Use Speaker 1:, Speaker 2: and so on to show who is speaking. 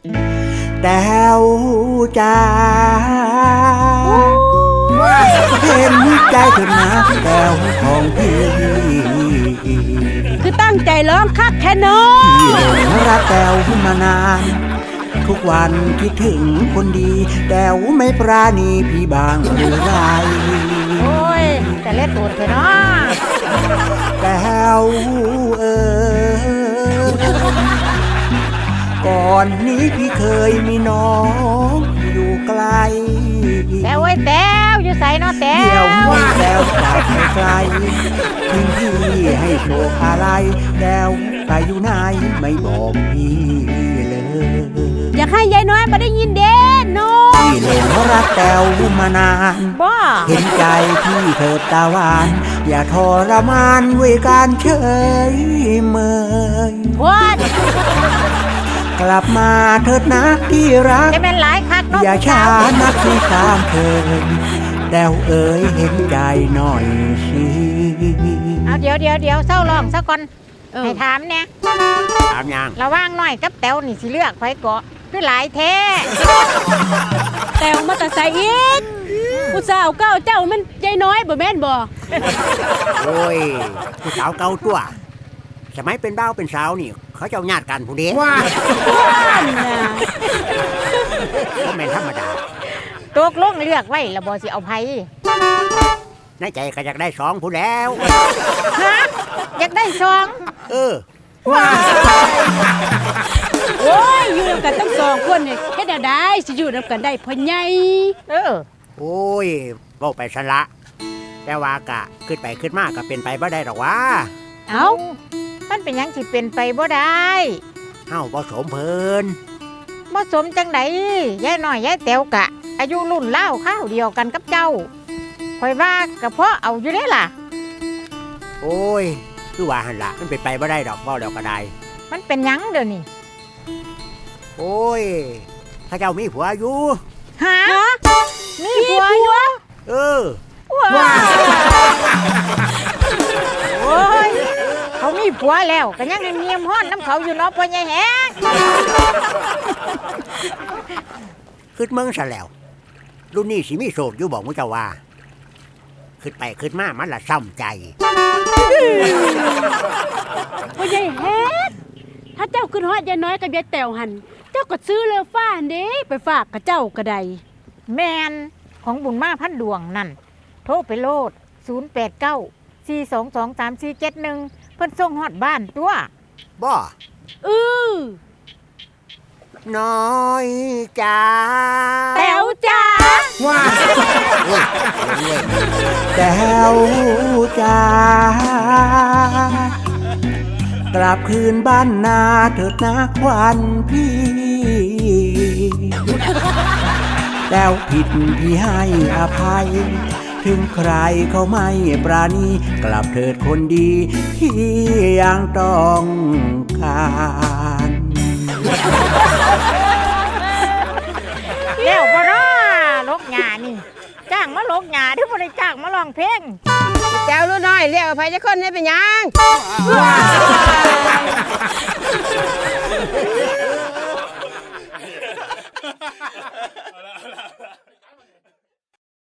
Speaker 1: แต้วจ้าเห็นใจเถิดนะแต้วของพี่
Speaker 2: คือตั้งใจร้องคักแค่น้อ
Speaker 1: พี่หลงรักแต้วมานานทุกวันคิดถึงคนดีแต้วไม่ปราณีพี่บางหรือไร
Speaker 3: โอ้ยแต่เล่นตูดเถอะเนาะ
Speaker 1: แต้วก่อนนี้พี่เคยมีน้องอยู่ไกล
Speaker 3: แต่โอ้ยแต้วอยู่ใส่เนาะแต้
Speaker 1: เดี๋ยว
Speaker 3: ว
Speaker 1: แล้วจากไม่ไกลทิ้งพี่ให้โชคอะไรแล้วไปอยู่ไหนไม่บอกพี่เลย
Speaker 2: อยากให้ยายน้อยมาได้ยินเด่นน้อง
Speaker 1: พี่หลงรักแต้วมานาน
Speaker 3: บ่
Speaker 1: เห็นใจพี่เถิดตาหวานอย่าทรมานด้วยการเฉยเมย
Speaker 3: โคตร
Speaker 1: กลับมาเถิดนะที่รัก
Speaker 3: จะเป็นหลายคักเนาะ
Speaker 1: อย่าช้านักที่ตามเคยแต้วเอ๋ยเห็นใจหน่อยสิ
Speaker 3: เอาเดี๋ยวเศร้าร้องซะก่อนให้ถามเนี่ย
Speaker 1: ถามยัง
Speaker 3: ระหว่างน้อยกับแต้วนี่สิเลือกไผเกาะคือหลายแท้
Speaker 2: แต่วมาแต่ใส่อีกผู้สาวเก้าเจ้ามันยายน้อยบ่แม่นบ่
Speaker 1: โอ้ยผู้สาวเก่าตัวสมัยเป็นบ่าวเป็นสาวนี่ เขาเจ้าญาติกันผู้เดียว
Speaker 2: นั่นน่ะ
Speaker 1: ก็แม่นธรรมดา
Speaker 3: ตกลงเลือกไว้แล้วบ่สิเอาไผ
Speaker 1: ในใจก็อยากได้สองผู้แล้ว
Speaker 3: ฮะอยากได้ซอง
Speaker 1: เออ
Speaker 2: โอ้ยอยู่นำกันตั้งสองคนนี่เฮ็ดแนวใดสิอยู่นำกันได้พ่อใหญ่
Speaker 3: เออ
Speaker 1: โอ้ยเว้าไปซะละแต่ว่ากะขึ้นไปขึ้นมาก็เป็นไปบ่ได้หรอกวะ
Speaker 2: เอ้า
Speaker 3: มันเป็นหยังสิเป็นไปบ่ได้
Speaker 1: เฮาบ่สมเพิ่น
Speaker 3: บ่สมจังไดยายน้อยยายแต๋วกะ อายุรุ่นเล่าวข้าวเดียวกันกับเจ้าข่อยว่าก็เพราะเอาอยู่เด้ล่ะ
Speaker 1: โอ้ยคือว่าหั่นล่ะมันเป็นไปบ่ได้ดอกเว้าแล้วก็ได้
Speaker 3: มันเป็นหยังเด้อนี่
Speaker 1: โอ้ยเขาเจ้ามีผัวอยู่
Speaker 3: ฮะมีผัวอยู่
Speaker 1: เออ
Speaker 3: ว้าวโอ้ยเขามีผัวแล้วก็ยังเนียมฮ้อนน้ำเขาอยู่เนาะพ่อใหญ่แฮง
Speaker 1: ขึ้นเมืองซะแล้ว รุ่นนี้สิมีโสดอยู่บอกมุเจ้าว่า ขึ้นไปขึ้นมามันละซ้ำใจ
Speaker 2: พ่อใหญ่เฮ็ดถ้าเจ้าขึ้นฮอดยายน้อยกับยายแต๋วหันเจ้าก็ซื้อเรือฟ้าหั่นเด้ไปฝากกับเจ้าก็ได้
Speaker 3: แมนของบุญมาพันดวงนั่นโทรไปโลด089 422 3471เพิ่นส่งฮอดบ้านตัว
Speaker 1: บ่
Speaker 2: อ
Speaker 1: น้อยจ้า
Speaker 2: แต๋วจ้า
Speaker 1: ว้าแต้วจ้ากลับคืนบ้านนาเถิดนะควันพี่ แต้วผิดพี่ให้อภัย ถึงใครเขาไม่ปราณีกลับเถิดคนดีที่ยังต้องการ
Speaker 3: แล้วบ่น้าลกหญ้านี่จ้างมาลกหญ้าเด้อบ่ได้จ้างมาร้องเพลง
Speaker 4: แต้วรู้น้อยเรียกอภัยจะคนให้เป็นหยัง
Speaker 3: เ